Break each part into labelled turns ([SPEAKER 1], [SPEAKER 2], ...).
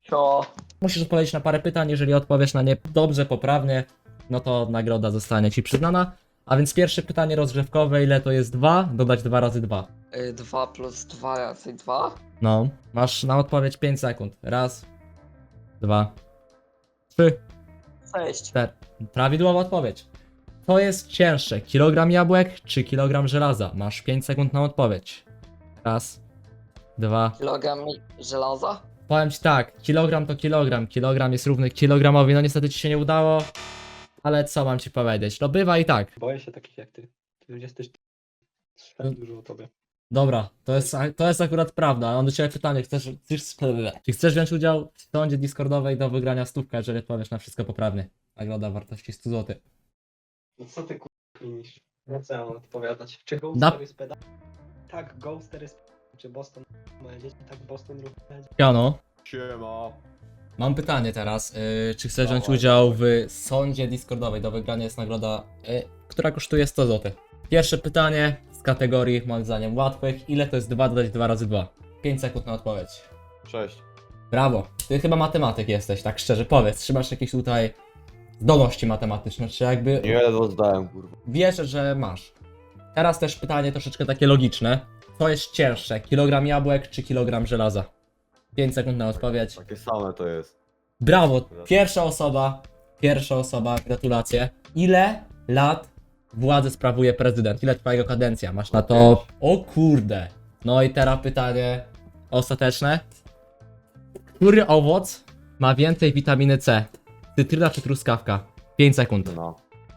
[SPEAKER 1] Co?
[SPEAKER 2] Musisz odpowiedzieć na parę pytań, jeżeli odpowiesz na nie dobrze, poprawnie, no to nagroda zostanie ci przyznana. A więc pierwsze pytanie rozgrzewkowe, ile to jest 2? Dodać 2 razy 2.
[SPEAKER 1] 2 plus 2 razy 2?
[SPEAKER 2] No, masz na odpowiedź 5 sekund. Raz, 2, 3,
[SPEAKER 1] 6.
[SPEAKER 2] 4. Prawidłowa odpowiedź. Co jest cięższe, kilogram jabłek czy kilogram żelaza? Masz 5 sekund na odpowiedź. Raz, 2.
[SPEAKER 1] Kilogram żelaza?
[SPEAKER 2] Powiem ci tak, kilogram to kilogram, kilogram jest równy kilogramowi, no niestety ci się nie udało, ale co mam ci powiedzieć, no bywa i tak.
[SPEAKER 3] Boję się takich jak ty. Ty jesteś... Słyszałem dużo o tobie.
[SPEAKER 2] Dobra, to jest akurat prawda, mam do ciebie pytanie, czy chcesz wziąć udział w sądzie Discordowej do wygrania stówka, jeżeli odpowiesz na wszystko poprawnie? Nagroda wartości 100 zł.
[SPEAKER 3] No co ty klinisz? No co ja mam odpowiadać? Czy
[SPEAKER 2] Na-
[SPEAKER 3] Ghoster jest peda? Tak, Ghoster jest peda. Czy Boston moje dzieci? Tak, Boston ruch będzie.
[SPEAKER 2] Jano,
[SPEAKER 4] Siema.
[SPEAKER 2] mam pytanie teraz, czy chcesz wziąć
[SPEAKER 4] Dawaj,
[SPEAKER 2] udział w sądzie Discordowej, do wygrania jest nagroda, która kosztuje 100 zł. Pierwsze pytanie z kategorii, moim zdaniem, łatwych, ile to jest 2 dodać 2 razy 2? 5 sekund na odpowiedź.
[SPEAKER 4] 6.
[SPEAKER 2] Brawo, ty chyba matematyk jesteś, tak szczerze powiedz, czy masz jakieś tutaj zdolności matematyczne, czy jakby
[SPEAKER 4] Nie ledwo zdałem, kurwa.
[SPEAKER 2] wierzę, że masz. Teraz też pytanie troszeczkę takie logiczne. Co jest cięższe, kilogram jabłek czy kilogram żelaza? 5 sekund na odpowiedź.
[SPEAKER 4] Takie same to jest.
[SPEAKER 2] Brawo, pierwsza osoba, gratulacje. Ile lat władzę sprawuje prezydent? Ile trwa jego kadencja? Masz na to... O kurde. No i teraz pytanie ostateczne. Który owoc ma więcej witaminy C? Cytryna czy truskawka? 5 sekund.
[SPEAKER 4] No.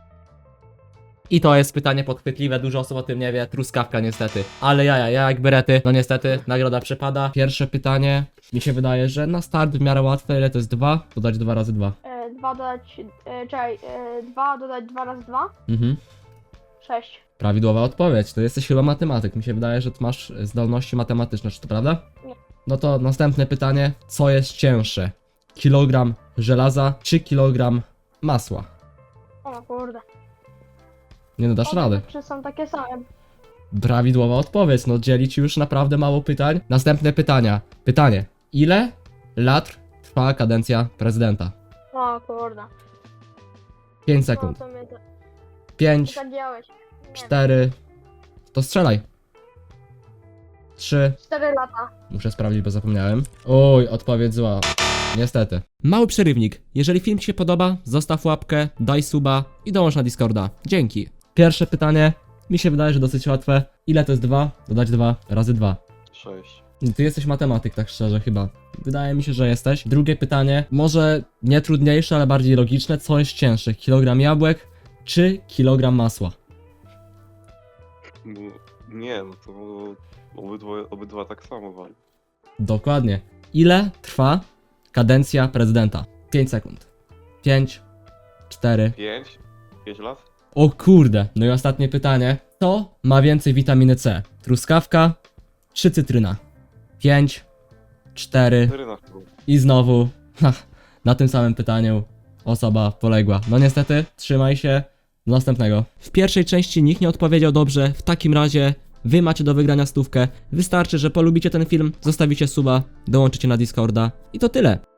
[SPEAKER 2] I to jest pytanie podchwytliwe, dużo osób o tym nie wie, truskawka niestety. Ale ja jak berety, no niestety, nagroda przepada. Pierwsze pytanie, mi się wydaje, że na start w miarę łatwe, ile to jest 2? Dodać 2 razy 2.
[SPEAKER 5] 2 dodać, czekaj, 2 dodać 2 razy 2?
[SPEAKER 2] Mhm.
[SPEAKER 5] 6.
[SPEAKER 2] Prawidłowa odpowiedź, to jesteś chyba matematyk, mi się wydaje, że ty masz zdolności matematyczne, czy to prawda?
[SPEAKER 5] Nie.
[SPEAKER 2] No to następne pytanie, co jest cięższe? Kilogram żelaza czy kilogram masła?
[SPEAKER 5] O kurde.
[SPEAKER 2] Nie no, dasz radę.
[SPEAKER 5] Czy są takie same?
[SPEAKER 2] Prawidłowa odpowiedź, no dzieli ci już naprawdę mało pytań. Następne pytania. Pytanie. Ile lat trwa kadencja prezydenta?
[SPEAKER 5] O kurde.
[SPEAKER 2] 5 sekund.
[SPEAKER 5] No to mnie to
[SPEAKER 2] 5,
[SPEAKER 5] zagiąłeś. Nie wiem.
[SPEAKER 2] 4. To strzelaj. 3.
[SPEAKER 5] 4 lata.
[SPEAKER 2] Muszę sprawdzić, bo zapomniałem. Oj, odpowiedź zła. Niestety. Mały przerywnik. Jeżeli film ci się podoba, zostaw łapkę, daj suba i dołącz na Discorda. Dzięki. Pierwsze pytanie. Mi się wydaje, że dosyć łatwe. Ile to jest 2? Dodać 2 razy 2.
[SPEAKER 4] 6.
[SPEAKER 2] Ty jesteś matematyk, tak szczerze, chyba. Wydaje mi się, że jesteś. Drugie pytanie, może nie trudniejsze, ale bardziej logiczne. Co jest cięższe? Kilogram jabłek czy kilogram masła?
[SPEAKER 6] No, nie, no to obydwa tak samo wali.
[SPEAKER 2] Dokładnie. Ile trwa kadencja prezydenta? 5 sekund. 5, 4.
[SPEAKER 6] 5 lat?
[SPEAKER 2] O kurde. No i ostatnie pytanie. Co ma więcej witaminy C? Truskawka czy cytryna? 5, 4.
[SPEAKER 6] 4 na chyba.
[SPEAKER 2] I znowu, na tym samym pytaniu osoba poległa. No niestety, trzymaj się, do następnego. W pierwszej części nikt nie odpowiedział dobrze, w takim razie wy macie do wygrania stówkę. Wystarczy, że polubicie ten film, zostawicie suba, dołączycie na Discorda i to tyle.